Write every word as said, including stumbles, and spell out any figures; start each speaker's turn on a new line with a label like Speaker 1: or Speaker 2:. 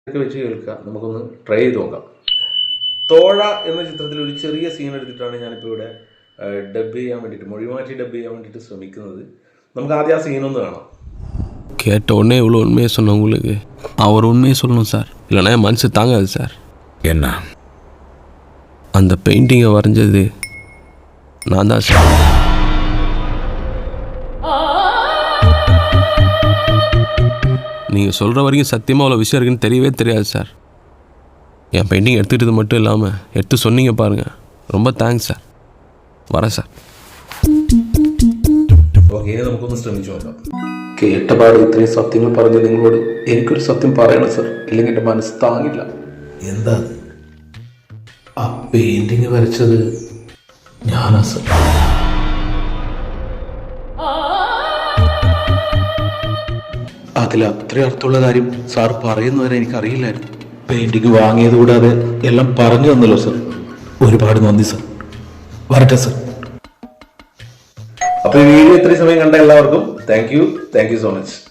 Speaker 1: ഒക്കെ വെച്ച് കേൾക്കുക, നമുക്കൊന്ന് ട്രൈ ചെയ്ത് നോക്കാം. തോഴ എന്ന ചിത്രത്തിൽ ഒരു ചെറിയ സീൻ എടുത്തിട്ടാണ് ഞാനിപ്പോൾ ഇവിടെ ഡബ് ചെയ്യാൻ വേണ്ടിയിട്ട്, മൊഴിമാറ്റി ഡബ് ചെയ്യാൻ വേണ്ടിയിട്ട് ശ്രമിക്കുന്നത്. നമുക്ക് ആദ്യം ആ സീനൊന്ന് കാണാം.
Speaker 2: கேட்ட உடனே இவ்வளோ உண்மையை சொன்ன உங்களுக்கு அவர் உண்மையை சொல்லணும் சார், இல்லைனா என் மனசு தாங்காது சார்.
Speaker 3: என்ன?
Speaker 2: அந்த பெயிண்டிங்கை வரைஞ்சது நான் தான் சார். நீங்கள் சொல்கிற வரைக்கும் சத்தியமாக அவ்வளோ விஷயம் இருக்குன்னு தெரியவே தெரியாது சார். என் பெயிண்டிங் எடுத்துக்கிட்டது மட்டும் இல்லாமல் எடுத்து சொன்னீங்க பாருங்கள், ரொம்ப தேங்க்ஸ் சார். வரேன் சார்.
Speaker 1: ഓക്കെ, നമുക്കൊന്ന് ശ്രമിച്ചു നോക്കാം. കേട്ടപാട് ഇത്രയും സത്യങ്ങൾ പറഞ്ഞ നിങ്ങളോട് എനിക്കൊരു സത്യം പറയണം സർ, ഇല്ലെങ്കിൽ എൻ്റെ മനസ്സ് താങ്ങില്ല. എന്താ? ആ പെയിന്റിങ് വരച്ചത് ഞാനാ സർ. അതിൽ അത്രയും അർത്ഥമുള്ള കാര്യം സാർ പറയുന്നവരെ എനിക്കറിയില്ലായിരുന്നു. പെയിന്റിങ് വാങ്ങിയത് കൂടാതെ എല്ലാം പറഞ്ഞു തന്നല്ലോ സർ. ഒരുപാട് നന്ദി സർ. വരട്ടെ സർ. അപ്പോൾ ഈ വീഡിയോ ഇത്രയും സമയം കണ്ട എല്ലാവർക്കും thank you thank you so much.